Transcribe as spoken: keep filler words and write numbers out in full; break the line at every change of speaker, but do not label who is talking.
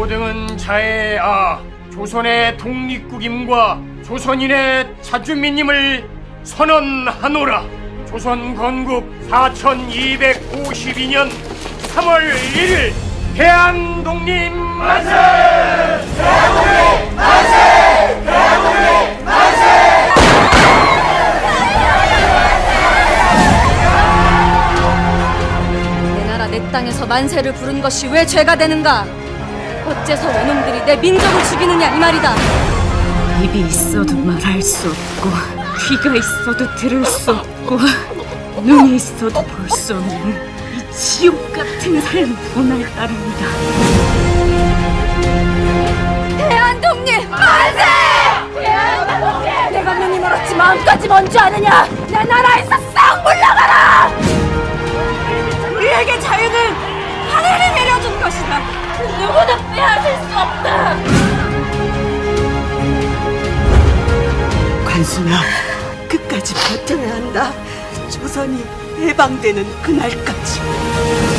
고등은 자해아 조선의 독립국임과 조선인의 자주민임을 선언하노라. 조선 건국 사천이백오십이 년 삼월 일일 대한독립 만세! 대한독립 만세! 대한독립 만세!
내 나라 내 땅에서 만세를 부른 것이 왜 죄가 되는가? 어째서 외놈들이 내 민족을 죽이느냐 이 말이다.
입이 있어도 말할 수 없고 귀가 있어도 들을 수 없고 눈이 있어도 볼 수 없는 이 지옥 같은 삶 오늘 따릅니다.
대한독립 만세! 대한독립! 내가 눈이 멀었지 마음까지 먼 줄 아느냐? 내 나라에서 싹 물러가라! 우리에게 자유는 하늘이 내려준 것이다. 누구도 빼앗을 수 없다.
관순아, 끝까지 버텨야 한다. 조선이 해방되는 그날까지.